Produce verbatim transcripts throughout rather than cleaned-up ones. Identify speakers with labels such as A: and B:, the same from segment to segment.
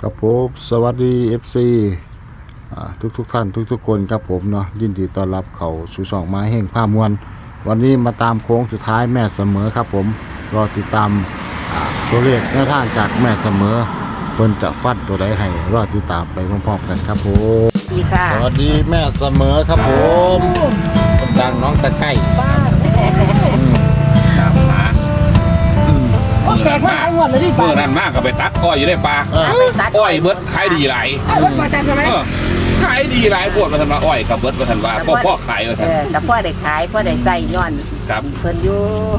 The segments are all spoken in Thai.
A: ครับผมสวัสดี เอฟ ซี ทุกทุกท่านทุกทุกคนครับผมเนาะยินดีต้อนรับเขาสู่ช่องมาแห่งผ้ามวลวันนี้มาตามโค้งสุดท้ายแม่เสมอครับผมรอติดตามตัวเลขแนวทางจากแม่เสมอเพิ่นจะฟัดตัวใดให้รอติดตามไปพร้อมๆกันครับผม
B: ดีค่ะ
A: สวัสดีแม่เสมอครับผมคนดังน้องตะไก่
B: บ้าน
C: ตามหา
B: แจกมาหลายงวดเลยดิ
C: เมื่อนั้นมากก็ไปตัดอ้อยอยู่ในป่าอ้อยเบิดขายดีหลาย
B: เอารถมาจันใช่ไหม
C: ขายดีหลายปวดมาทันว่าอ้อยกับเบิดมาทันว่าพ่อพ่อขายมาทัน
B: แต่พ่อได้ขายพ่อได้ใส่ย้อน
C: ครับ
B: เพิ่นอยู่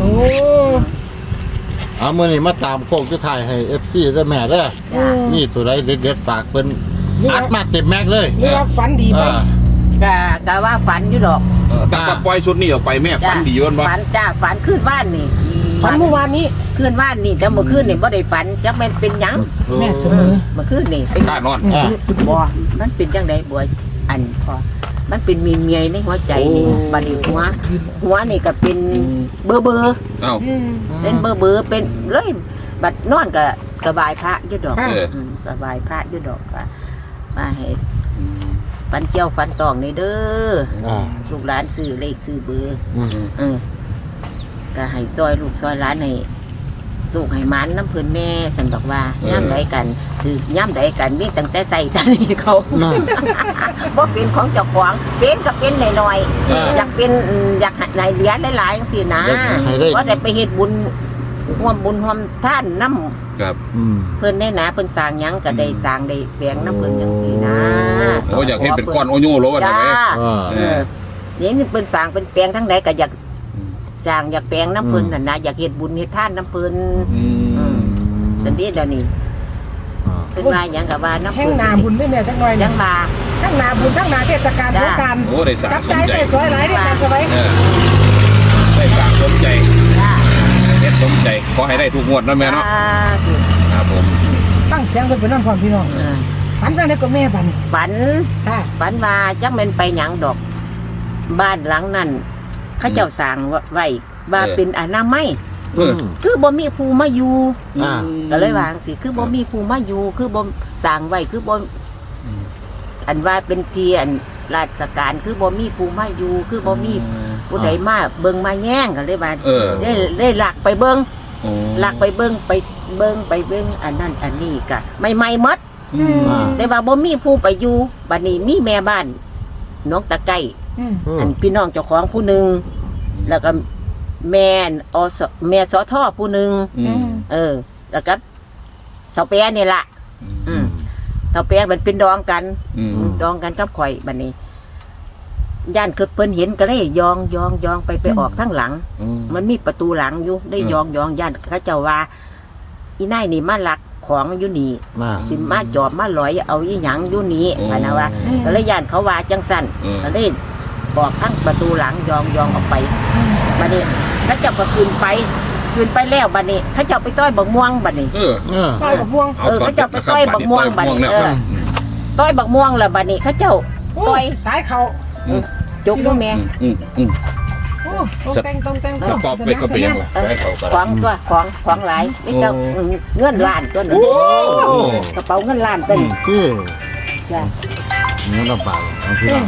A: เอามื้อนี้มาตามโค้งสุดท้ายให้ เอฟ ซี ได้แม่เด้อนี่ตัวใดเด็ดๆฝากเพิ่นอัดมาเต็มแม็กเลย
D: หรือว่าฝันดีไหม
B: ก็ก็ว่าฝันอยู่ดอก
C: ตั้งแต่ปล่อยชุดนี้ออกไปแม่ฟันดีวันวะ
B: ฝันจ้าฝันขึ้นบ้านนี่
D: ฝันเมื่อวานนี้
B: ขึ้นบ้านนี่แต่เมื่อคืนนี่บ่ได้ฝันจักแม่นเป็นหยัง
D: แม่เสมอ
B: เมื่อคืนนี่เป็น
C: กล้านอน
A: อ่า
B: บ่มันเป็นจังได๋บ่อันพอมันเป็นมีเมียในหัวใจนี่บัดนี้หัวหัวนี่ก็เป็นเบอร์เบอร์
C: เอ้า
B: เป็นเบอร์เบอร์เป็นเลยบัดนอนก็สบายพระอยู่ดอก
C: เออ
B: มสบายพระอยู่ดอกก็มาให้ฟันเจียวฟันตองนี่เด้อ
A: อ่า
B: ลูกหลานซื้อเลขซื้อเบอร์
A: อืม
B: เออก็ให้ซอยลูกซอยหลานให้สุกให้มันน้ำเพิ่นแน่สันบอกว่าย่ำใดกันคือย่ำใดกันมีตั้งแต่ใส่ตานี่เขา
A: น่ะ
B: บ่เป็นของเจ้าของเป็นก็เป็นหน่อย
A: อ่า
B: ๆอยากเป็นอืมอยากให้เหรียญหลายๆจังซี่นะ
A: ให้ได้
B: เพราะได้ไปเฮ็ดบุญร่วมบุญร่วมท่านน้ำ
C: ครับ
A: อืม
B: เพิ่นได้นะเพิ่นสร้างหยังก็ได้สร้างได้แฝงน้ำเพิ่นจังซี่นะ
C: โอ้อยากเห็นเป็นก้อนโอโย่โลวะ
B: จ้า
C: ทำไม
A: อ่า
B: เออนี่เพิ่นสร้างเป็นแปลงทั้งใดก็อยากสร้างอยากแปลงน้ำเพิ่นน่ะนะอยากเฮ็ดบุญเฮ็ดทานน้ำเพิ่น
C: อืม
B: สันนี้เดี๋ยวนี้
A: อ่า
B: เพิ่นว่าหยังก็ว่าน้ำ
D: แห้ง
B: เพิ่น
D: นาบุญได้แม่จังหน่อย
B: ยังมา
D: ทั้งนาบุญทั้งนาเทศกาลสงกรานต์
C: โอ้ได้สร้าง
D: กับ
C: ส
D: ใจ
C: มใจ
D: ใส่สวยหลายได้แม่ใช่ไหม
C: เออได้สร้างสมใจ
B: จ้า
C: เฮ็ดสมใจขอให้ได้ทุกงวดนะแม่เนาะ
B: อ่าถูก
C: ครับผม
D: ตั้งเสียงเพิ่นเป็นน้ำพรพี่น้อง
B: เออ
D: ฝันว่าได้ก็แม่บัดนี้
B: ฝัน
D: ค่ะ
B: ฝันว่าจักแม่นไปหยังดอก บ้านหลังนั้นเขาเจ้าสร้างไว้ว่าเป็นอนามัย
C: เออ
B: คือบ่มีผู้มาอยู่
A: อ่า
B: ก็เลยวาจั่งสิคือบ่มีผู้มาอยู่คือบ่สร้างไว้คือบ่อันว่าเป็นที่อันราชการคือบ่มีผู้มาอยู่คือบ่มีผู้ใดมาเบิ่งมาแย่งก็เลยว่า
C: เออ
B: ได้ได้หลักไปเบิ่ง
C: โอ้
B: หลักไปเบิ่งไปเบิ่งไปเบิ่งอันนั้นอันนี้ก็ใหม่ๆหมด
C: อืม
A: อ่า
B: แต่ว่าบ่มีผู้ไปอยู่บัดนี้มีแม่บ้านน้องตะไก่
D: อืม
A: อืม
B: อันพี่น้องเจ้าของผู้หนึงแล้วก็แม่นอสแม่สอทอผู้หนึง
C: อืม
B: เออ แล้วก็เฒ่าแปะนี่ล่ะ อืมเฒ่าแปะมันเป็นดองกัน
C: อืม
B: ดองกันกับข่อยบัดนี้ย่านคือเพิ่นเห็นก็เลยยองยองยองไปไปออกทางหลัง
C: อืม
B: มันมีประตูหลังอยู่ได้
C: อืม
B: ยองยองย่านเขาเจ้าว่า อีนายนี่มาลักของอยู่นี่
A: อ่า
B: สิมาจอบมาลอยเอาอีหยังอยู่นี่พะนะว่าก็เลยย่านเขาว่าจังสั่น
C: อืม
B: ก็เลยบอกทั้งประตูหลังยองยองออกไปบัดนี้เขาเจ้าก็ขึ้นไปขึ้นไปแล้วบัดนี้เขาเจ้าไปต้อยบักม่วงบัดนี้
C: เออ
A: เออ
D: ต้อยกับพวง
B: เออเขาจะไปต้อยบักม่วงบัด
C: เนี่ย
B: เออ ต้อยบักม่วงแล้วบัดนี้เขาเจ้า
D: โอ้
B: ต้อย
D: ยสายเขา
B: จกด้วยแม่
C: อืมอืม
D: โอ้ต้องแต่งต้องแต่ง
C: สปอปไปก็เป็นยังไงใช้เขาก็
B: ของตัวของของหลายไม่ต้องเงินล้านตัวนึง
C: โอ้
B: กระเป๋าเงินล้านตัวนึง
A: คือ
B: จ้ะ
A: เนื้อลำบากเอาพี่น้อง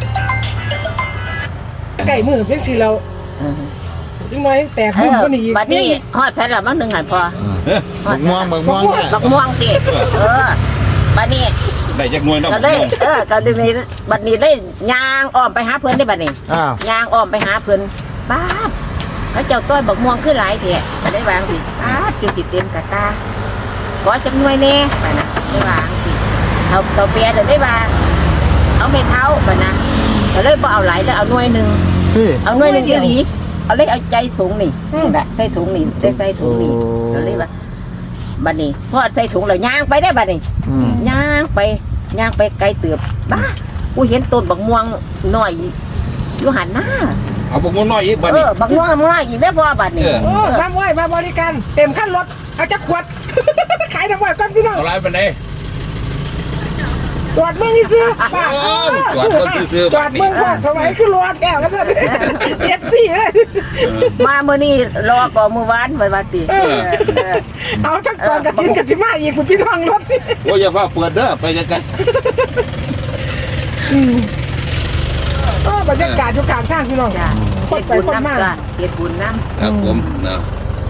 D: ไก่มือเพียงสิเราจังหน่อยแตก
B: เอ
D: บุญ
B: อ
D: ก็นี่อีก
B: บัดนี้ฮอดใส่ละมั้งหนึ่งหันพอ
A: บักม่วงบักม่วงเนี่ย
B: บักม่วงติเออบัดนี้
C: ได้จากหน่วยเนาะ
B: ก็ได้เออก็ได้มีบัดนี้ได้ยางอ้อมไปหาเพิ่นได้บัดนี้
A: อ้าวย
B: างอ้อมไปหาเพิ่นป้าบเขาเจ้าต้อยบักม่วงขึ้นหลายแท้ก็ได้วางสิป้าบจนสิเต็มกระตาขอจักหน่วยแน่ไปนะได้วางสิเอาเตาเปียเดี๋ยวได้ว่าเอาเม็ดเท้าไปนะก็เลยบ่เอาหลายแล้วเอาหน่วยหนึง
A: พี่
B: เอาหน่วยหนึงอีหลีเอาเลยเอาใจถุงนี่นี่แหละใส่ถุงนี่ใส่ใส่ถุงนี่ก็เลยว่าบัดนี้พอใส่ถุงแล้วย่างไปได้บัดนี้
A: อืม
B: ย่างไปย่างไปไกลเตือบบ้ากูเห็นต้นบักม่วงน้อยอยู่หันหน้า
C: เอาพวกมันน้อยอีกบัด
B: เอ
C: นี้
B: อบักม่วงน้อยอีกได้พอบัดนี้
C: เออ
D: โอ้มาไว้มาบริการเต็มขั้นรถเอาจักขวด ขายน้ำไว้ก่อนพี่น้อง
C: เอาไรเป็นไง
A: โ
D: จอดเมืองซื้อป้า
C: เออจอดเบิ่งซื่อๆ
D: จอดเมืองว่าสมัยคือรอแถวแล้วสิเอฟซีเลย
B: มาเมื่อนี้รอก่อนมื้อวานไว้ว่าติ
D: เออ
B: เออ
D: เอาจักตอนกระถินกระจิมาอีกคุณพี่น้องรถ
C: โอ้ยอย่าฟ้าเปิดเด้อไปจังกัน
D: อืมก็บรรยากาศอยู่กลางทางพี่น้อง
B: จ้ะ
D: ค
B: เฮ็
D: น
B: ด
D: ไป
B: บุญ
D: คน
B: นำ
D: มา
B: จ้ะเฮ็ดบุญนำ
C: ครับผมเนาะ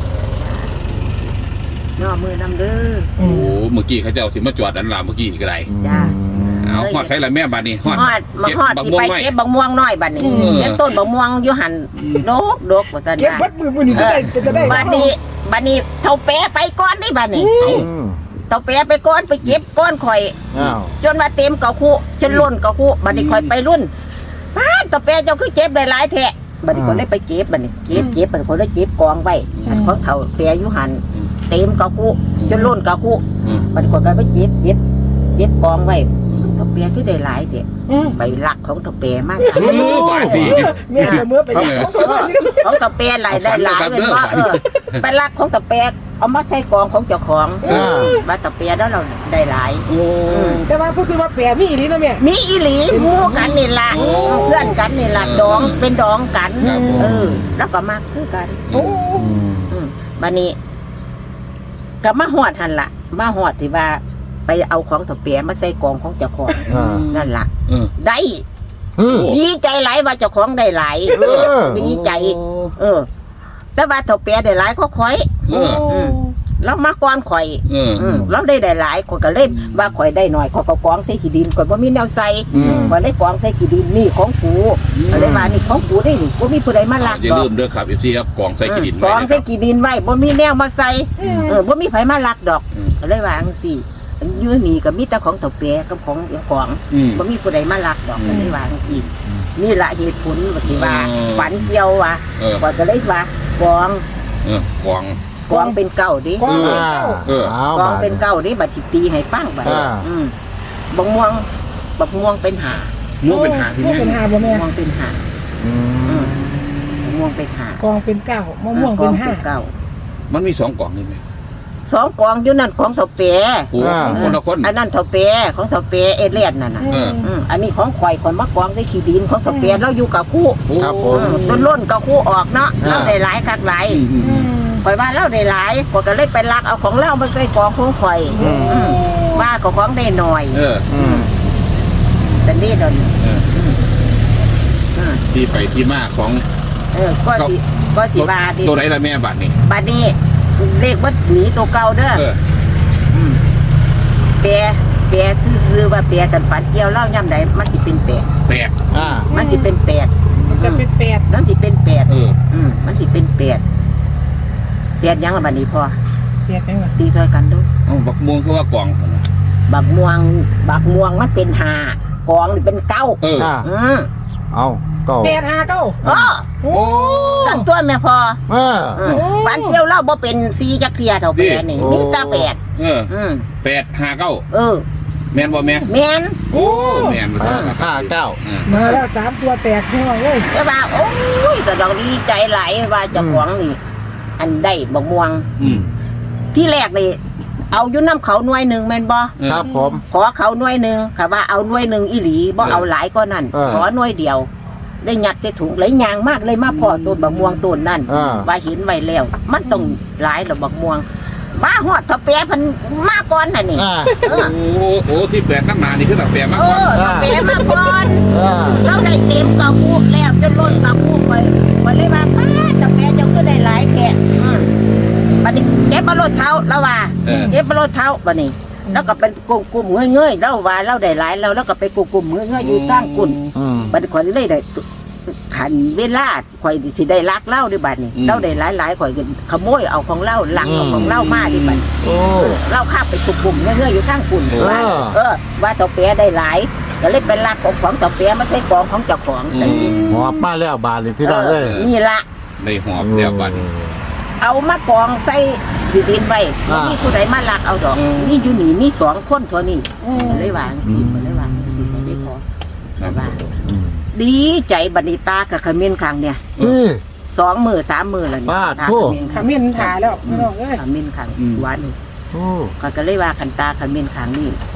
B: ย่อมือนำเด้อ
C: โอ้เมื่อกี้เขาจะเอาสิมาจอดอันลามเมื่อกี้นี่ก็ได้
B: จ้ะ
C: เอาฮอดใช้ละแม่บัดนี้ฮอด
B: ฮอดมาฮอด
C: บัก
B: สิ
C: ม่วง
B: ไป
C: ไว้
B: เก็บบักม่วงน้อยบัดนี้
C: เออ
B: เก็บต้นบักม่วงอยู่หั่นดกดกว่าซั่น
D: เก็บ
B: นะ
D: วัดมือมือนี่จะได้จะได้
B: บัดนี้บัดนี้เท่าแปะไปก่อนได้บัดนี้
C: เอา
A: อืม
B: เท่าแปะไปก่อนไปเก็บก้อนข่อย
A: อ้าว
B: จนว่าเต็มเกาคู่จนล้นเกาคู่บัดนี้ข่อยไปรุ่นป้าดเท่าแปะเจ้าคือเก็บได้หลายแท้บัดนี้คนได้ไปเก็บบัดนี้เก็บเก็บบัดนี้คนได้เก็บกองไว้อันของเท่าแปะอยู่หั่นเต็มเกาคู่จนล้นเกาคู่
C: อืม
B: บัดนี้คนก็ไปเก็บเก็บเก็บกองไว้เท่าแปะคือได้หลายแท้
D: อืม
B: ใบหลักของเท่าแปะมาก
C: เออบาดนี้
D: เมียจะเมื่อไปของตัวนี้
B: ของตะเปียหลายได้หลายเป็นว่าเออไปลักของตะเปียเอามาใส่กองของเจ้าของ
A: อ่า
B: ว่าตะเปียแล้วเราได้หลาย
C: โอ้
D: แต่ว่าผู้ซื้อว่าแปรมีอีหลีนะแม่
B: มีอีหลีหมู่กันนี่ล่ะเพื่อนกันนี่ล่ะดองเป็นดองกันเออแล้วก็มักคือกัน
D: โอ้
A: อืม
B: อืมบัดนี้ก็มาฮอดหั่นล่ะ มาฮอดที่ว่า ไปเอาของตะเปียมาใส่กองของเจ้าของ
A: อ่า
B: นั่นล่ะ
C: เออ
B: ได้
A: เฮ้ย
B: ดีใจหลายว่าเจ้าของได้หลาย
A: เออ
B: ดีใจ เออ แต่ว่าตะเปียได้หลายก็ข่อย
C: เออ
B: อืม เรามาก่อนข่อย
C: เออ
B: อืมเราได้ได้หลายข่อยก็เลยว่าข่อยได้หน่อยข่อยก็กองใส่ขี้ดินข่อยบ่มีแนวใส่
A: อืม
B: ข่อยเลยกองใส่ขี้ดินนี่ของกูก็เลยว่านี่ของกูได้นี่บ่มีผู้ใดมาลัก
C: อย่า
B: ดอ
C: ลื
B: ก
C: มเด้อครับเอฟซีครับกองใส่กิดิน
B: ก
C: ไว้
B: อง
C: นะค
B: ใส่
C: รับ
B: ขี้ดินไว้บ่มีแนวมาใส่เออบ่มีไผมาลักดอก
C: อืม
B: ก็เลยว่าจังซี่อยู่นี่ก็มีแต่ของเฒ่าแก่กับของเจ้าของ
C: อืม
B: บ่มีผู้ใดมาลักดอก
C: อืม
B: ก็เลยว่าจังซี่นี่ล่ะเหตุผลว่าที่ว่า
C: อืม
B: ฝันเกี่ยวว่า
C: เออ
B: ข่อยก็เลยว่ากอง
C: เออกอง
B: กองเป็นเก้าดิ
D: กอง
A: อ่า
C: เออ
A: เอา
B: กอง
A: บาด
B: เป็นเก้าดิบัดสิตีให้ฟังบัด
A: อ่า
B: อืมบักม่วงบักม่วงเป็นหา
C: ม่วงเป็นหาที่
D: ม่วง
C: แม่
D: เป็นหาบ่แม่
B: ม่วงเป็นหา
A: อืม
B: บักม่วงเป็นหาก
D: องเป็นเก้ามะม่วงเป็นห้า
B: กองเก้า
C: มันมีสองกองนี่ไหม
B: สองกองอยู่นั่นของเถาเป
C: โอ้ของคนละคน
B: อันนั้นเถาเปของเถาเปเอเลียนนั่นน่ะ
C: เออ
B: อืมอันนี้ของข่อยคนมากองใส่ขี้ดินของเถาเปเราอยู่กับคู่
A: ครับผม
B: ล้นล้นๆกับคู่ออกเนาะ
A: อ่า
B: เราได้หลายคักหลาย
C: อืมอืม
D: อื
C: อืม
D: ม
B: ข่อยว่าเราได้หลายข่อยก็เลยไปลักเอาของเรามาใส่กองของข่อย
A: อืม
B: อืมว่าก็ของได้หน่อย
C: เออ
A: อืม
B: แต่นี่เดน
C: เออ
B: อืม
C: ที่ไปที่มาของ
B: เออก็สิก็สิบาดิ
C: ตัวไหนละแม่บัตรนี่
B: บัดนี้เลขวัดหนีตัวเก่าเด้อ
C: เออ
B: มแปรแปรซื้อๆว่าแปรกันฝันเกี่ยวเล่าย่ำใดมันสิเป็นแปด
C: แปด
A: อ่า
B: มันสิเป็นแปด
D: มันจะเป็นแปด
B: มันสิเป็นแปด
C: เออ
B: อืมมันสิเป็นแปดแปดยังละบัดนี้พอ
D: แปดจังหวะ
B: ตีซอยกันดู
C: เอาบักม่วงคือว่ากอง
B: บักม่วงบักม่วงมันเป็นห้ากองนี่เป็นเก้า
C: เออ
A: อ่า
B: อืม
A: เอาเก็
D: แปดห้าเก้า
B: โอ้
D: โอ้
B: สั่งตัวแม่พอ
A: เออ
B: อืมฝันเกี่ยวเล่าบ่เป็นสีจักเทียเท่าแปดนี่
A: โอ้
B: มีแตาแปด
C: เออ
B: อืม
C: แปดห้าเก้า
B: เออ
C: แม่นบ่แม่
B: แม่น
C: โอ้แม่นมา
A: ห้า
C: จ้า
A: ห้าเก้า
C: อ่า
D: มาแล้วสามตัวแตกหัวเลย
B: แต่ว่าโอ้ยสะดอกดีใจหลายว่าเจ้าของนี่ อันได้บักม่วง
C: อืม
B: ที่แรกนี่เอาอยู่น้ำเขาหน่วยหนึ่งแม่นบ่
C: เออ
A: ครับผม
B: ขอเขาหน่วยหนึ่งค่ะว่าเอาหน่วยหนึ่งอีหลีบ่
C: เออ
B: เอาหลายก็นั่น
A: เออ
B: ขอหน่วยเดียว ได้ยัดใส่ถุงไหลยางมากเลยมาพอต้นบักม่วงต้นนั่น
A: อ่า
B: ว่าเห็นไว้แล้ว มันต้องหลายหรอบักม่วงมาฮอดทะเปียเพันมาก่อนน่ะนี่
A: อ่า
B: เออ
C: โอ้โอ้ที่แปดตั้งนานนี่คือแบบแปดมาก
B: เอก
C: ว่า
B: อทะเปียมาก่อน
A: อ่า
B: เราได้เต็มกระปุกแล้วจนล้นกระปุกไปวันเลยว่าป้าทะเปียเจ้าก็ได้หลายแค่อืมบัดนี้เก็บมารถเท้าแล้วว่า
C: เออ
B: เก็บมารถเท้าบัดนี้ แล้วก็เป็นกลุ่มกลุ่มเงยเงยๆแล้วว่าเราได้หลายแล้วแล้วก็ไปกลุ่มกลุ่มเงยเงยๆอยู่ตั้งกุ่น
A: อืม
B: บัดนี้ข่อยเลยได้ขันเวลาข่อยสิได้ลักเล่าด้วยบัดนี้
C: อืม
B: เราได้หลายหลายๆข่อยก็ขโมยเอาของเล่าหลังเอาของเล่ามาดิบัด
A: โอ้
B: เล่าข้ามไปกลุ่มกลุ่มเงยเงยๆอยู่ตั้งกุ่น
A: เออ
B: ว่าเออ ว่าต่อเปียได้หลายก็เลยเป็นลักของของต่อเปียมาใส่กองของเจ้าของสันนี้
A: หอบมาแล้วบาทเลยพี่น้องเอ้ย
B: นี่ละ
C: ในหอบเดียวบัตร
B: เอามากองใส่ดินไว้บ่มีผู้ใดมาลักเอาดอก
C: อืม
B: นี่อยู่นี่มีสองคนเท่านี้
D: อืม
B: ก็เลยวางสิก็เลยวางสิก็ได้พอ
C: ครับ
B: ว่า
A: อืม
B: ดีใจบัดนิตากับขมิ้นขังเนี่ย
A: นี่
B: สองมือสามมือแล้วนี่
A: บ้า
B: ตา
A: โถ่
B: ขมิ้น
D: ข
B: ขัง
D: มิ้นถ่ายแล้วไม่ต้องเอ้ย
B: ขมิ้นขัง
C: อืม
B: หวาน
A: โอ้
B: ก็ก็เลยว่าคันตาขมิ้นขังนี่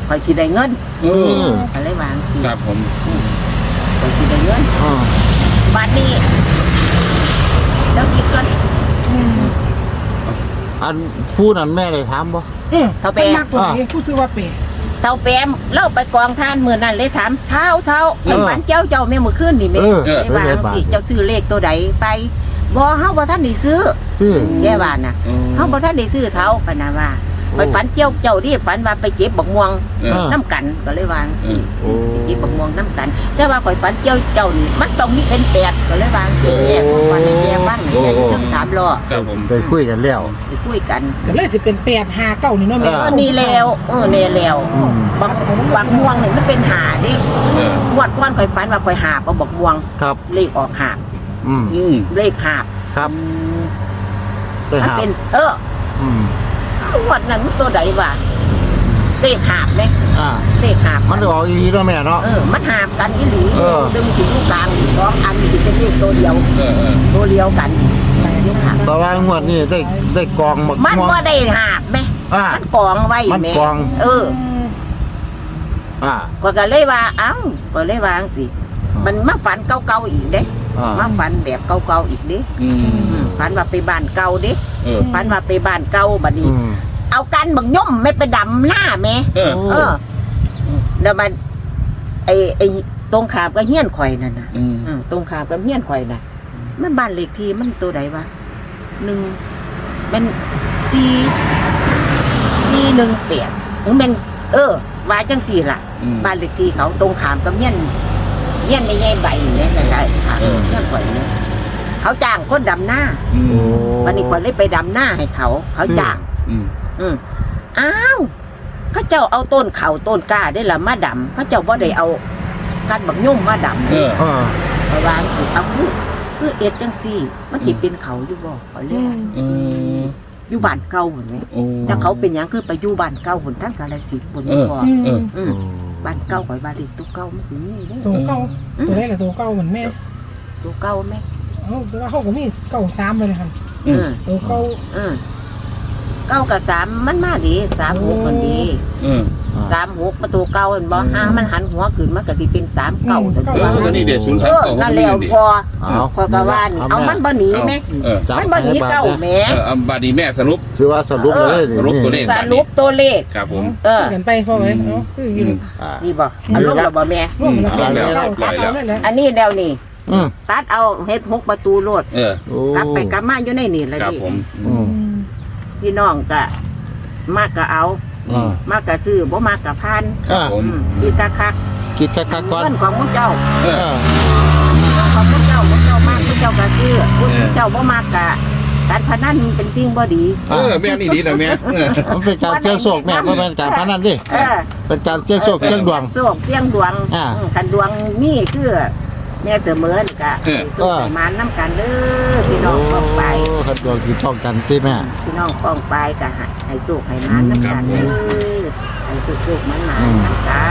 B: ข่อยสิได้เงิน
C: เออ
B: ก็เลยวางสิ
C: ครับผม
B: ข่อยสิได้เงิน
A: อ่า
B: บัดนี้แล้วกินก่อน
A: อันผู้นั้นแม่ได้ถามบ่
D: อืม
B: เท่าแป
D: มันมากตัวนี้ผู้ซื้อว่าเปย์
B: เท่าแปมเล่าไปกองท่านมื้อนั้นเลยถามเท่าเท่าไอ้ฝันเจ้าเจ้าแม่มื้อคืนนี่แม่
A: เออ
B: ได้วางสิเจ้าซื้อเลขตัวใดไปบ่เฮาบ่ทันได้ซื้อ
A: ที่
B: แย่ว่าน่ะเฮาบ่ทันได้ซื้อเท่าปานน่ะว่าไปฝันเจ้าเจ้าดิฝันว่าไปเก็บบักม่วง
C: เออ
B: น้ำกันก็เลยวางสิ
A: โอ้
B: ไปเก็บบักม่วงน้ำกัน แต่ว่าข่อยฝันเจ้าเจ้านี่มันต้องมีเป็นแปดก็เลยวางสิแยกฝันให้แยกบ้างให้แยกอยู่ถึงสามล้อ
C: ครับผม
A: ไปคุยกันแล้ว
B: ไปคุยกัน
D: ก็เลยสิเป็นแปดห้าเก้านี่เนาะแม่
A: เอ
B: เออนี่แล้วเออนี่แล้ว
A: อืม
B: บักบักม่วงนี่มันเป็นหาดิ
C: เออง
B: วดก่อนข่อยฝันว่าข่อยหาบเอาบักม่วง
A: ครับ
B: เลขออกหาบ
A: อืม
C: อืม
B: เลขหาบ
A: ครับไป
B: มัน
A: หา
B: เป็น เออ
A: อืม
B: งวดนั้นมันตัวใดวะเลขหาบเลย
A: อ่า
B: เลขหาบ
A: มันได้ออกอีหลีเนาะแม่เนาะ
B: เออมันหาบกันอีหลี
A: เออ
B: ดึงถึงลูกกลางอีกสองอันถึงเป็นเลขตัวเดียว
C: เออเออ
B: ตัวเดียวกันเลขหาบ
A: แต่ว่างวดนี้ได้ได้กองบัก
B: มัน
A: ม่วง
B: ก็ได้หาบไหม
A: อ่า
B: มันกองไว้
A: มัน
B: แม่
A: กอง
B: เออ
A: อ่า
B: ก็ก็เลยว่าเอ้าก็เลยว่าจังสิมันมาฝันเก่าๆอีกเด้
A: อ่า
B: มาฝันแบบเก่าๆอีกเด้
C: อืม
B: อืมฝันว่าไปบ้านเก่าเด้
C: เออ
B: ฝันว่าไปบ้านเก่าบัดนี้
A: อืม
B: เอากันบักย่อมไม่ไปดำหน้าแม่
C: เออ
B: เออแล้วมันไอ้ไอ้ตรงขามก็เฮี้ยนข่อยนั่นน่ะ
C: อืม
B: อืมตรงขามก็เฮี้ยนข่อยน่ะมันบ้านเลขที่มันตัวใดวะหนึ่งเป็นสี่สี่หนึ่งแปดหรือเป็นเออว่าจังสี่ล่ะ
C: อืม
B: บ้านเลขที่เขาตรงขามกับเฮี้ยนเฮี้ยนไม่ใหญ่ใบเนี่ยแต่ได้ค่ะ
C: เออ
B: เฮี้ยนข่อยเนี่ยเขาจ้างคนดำหน้า
C: อืม
A: โอ้
B: วันนี้คนเลยไปดำหน้าให้เขา เขาจ้าง
C: อืม
B: อืมอ้าวเขาเจ้าเอาต้นเขาต้นกล้าได้ละมาดำเขาเจ้าบ่ได้เอาการบักยุ่มมาดำ
C: เออ
A: อ่า
B: เอาวางสิเอาคือคือเอ็ดจังซี่มันจิเป็นเขาอยู่บ่เขาเรียกว่า
C: เออ
B: อยู่บ้านเก่าหุ่นไหม
C: โอ้
B: แล้วเขาเป็นหยังคือไปอยู่บ้านเก่าหุ่นทั้งกาฬสินธุ์บน
C: เออ
B: บ่
C: เออ
B: อื
A: โอ้
B: มบ้านเก่าข่อยบ้านเด็กตัวเก่ามันสิมีเด้
D: ตัวเก้าตัวได้แหละตัวเก้าเหมือนแม่
B: ตัวเก่าไหม
D: เอ้าแต่ว่าเขาก็มีเก้าสามเลยนะครับ
B: อืม
D: ตัวเก้า
B: อืมเก้ากับสามมันมาดีสามหกมันดี
C: เออ
B: สามหกประตูเก่าเห็นบ่อ่ามันหันหัวขึ้นมันก็สิเป็นสามเก่าแต่
C: เอ
B: ตัว
C: อก็นี่เดี๋ยวศูนย์สา
B: เอ
C: ม
B: อ
C: เก้า
B: นั่นแล้วพอ
A: เอา
B: พอกะว่านี่เอามันบ่หนีแม่
C: เออ
A: จับ
B: มันบ่หนีเก่าแหม่
C: เออเอาบาดีแม่สรุป
A: ซื้อว่าสรุปเลย
C: สรุปตัวเลข
B: สรุปตัวเลข
C: ครับผม
B: เออ
D: กันไปพอเลยเนาะคืออยู่
A: อ่า
B: นี่บ่อันลงแล้วบ่แม่
D: ร่วมแล้ว
C: อืม
D: เก้า
C: แล้ว
D: เก้า
C: แล้ว
D: เอาเลยแหละ
B: อันนี้แล้วนี่
A: อืม
B: ตัดเอาเฮ็ดหกประตูโลด
C: เออ
A: โอ้
B: กลับไปกลับมาอยู่ในนี่แหละ
C: ครับ
B: ดิ
C: ผม
A: อืม
B: พี่น้องก็มากก็เอา
A: อ่าม
B: ากก็ซื้อบ่มากก็พาน
A: อ่า
C: ผม
B: อืมพี่ตาคัก
A: คิดคักๆก่อน
B: เงินของพวกเจ้า
C: เอ
A: เอ
C: อ
A: อ
B: ของพวกเจ้าพวกเจ้ามากพวกเจ้าก็ซื้อพวกเจ้าบ่มากก็การพนันเป็นสิ่งบ่ดี
C: เออแม่นี่ดีนะแม่เออ
A: มันเป็นการเสี่ยงโชคแม่บ่แม่นการพนันดิ
B: เออ
A: เป็นการเสี่ยงโชคเสี่ยงดวง
B: โชคเสี่ยงดวง
A: อ่า
B: อืมคันดวงนี่คือแม่เสมอนี่ก็ให้โชคให้มานำกันเด้อพี่น้องป้องไป
A: โอ้คันดวงที่ช่องกันที่แม่
B: พี่น้องป้องไปก็ให้ให้โชคให้มานำกันเด้อให้โชคๆมันมานำกัน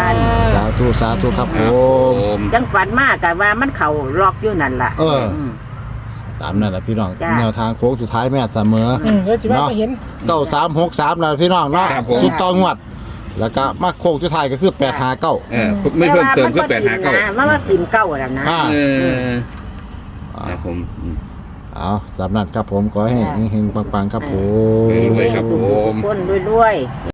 A: สาธุสาธุครับผ
C: ครับผม ม
B: จังฝันมากก็ว่ามันเข้าล็อกอยู่นั่นล่ะ
A: เออ
B: ม
A: ตามนั่นแหละพี่น้อง
B: จ้ะ
A: แนวทางโค้งสุดท้ายแม่เสมอ
D: อืมแล้วจิว่าก็เห็น
A: เก้าสามหกสามนะพี่น้องเนาะ
C: ครับผม
A: สุดต่องวด แล้วก็มาโค้งสุดท้ายก็คือแปดหาเก้า
C: เออไม่เพิ่มเติมคือแปดห้าเก้า
B: มันว่าสิมเก้าแล้วนะ
A: อ่า
C: เออครับผมอืม
A: เอาสำนักครับผมขอให้เฮงๆปังๆครับผม
C: รวยๆครับผม
B: ทุกคนรวยๆ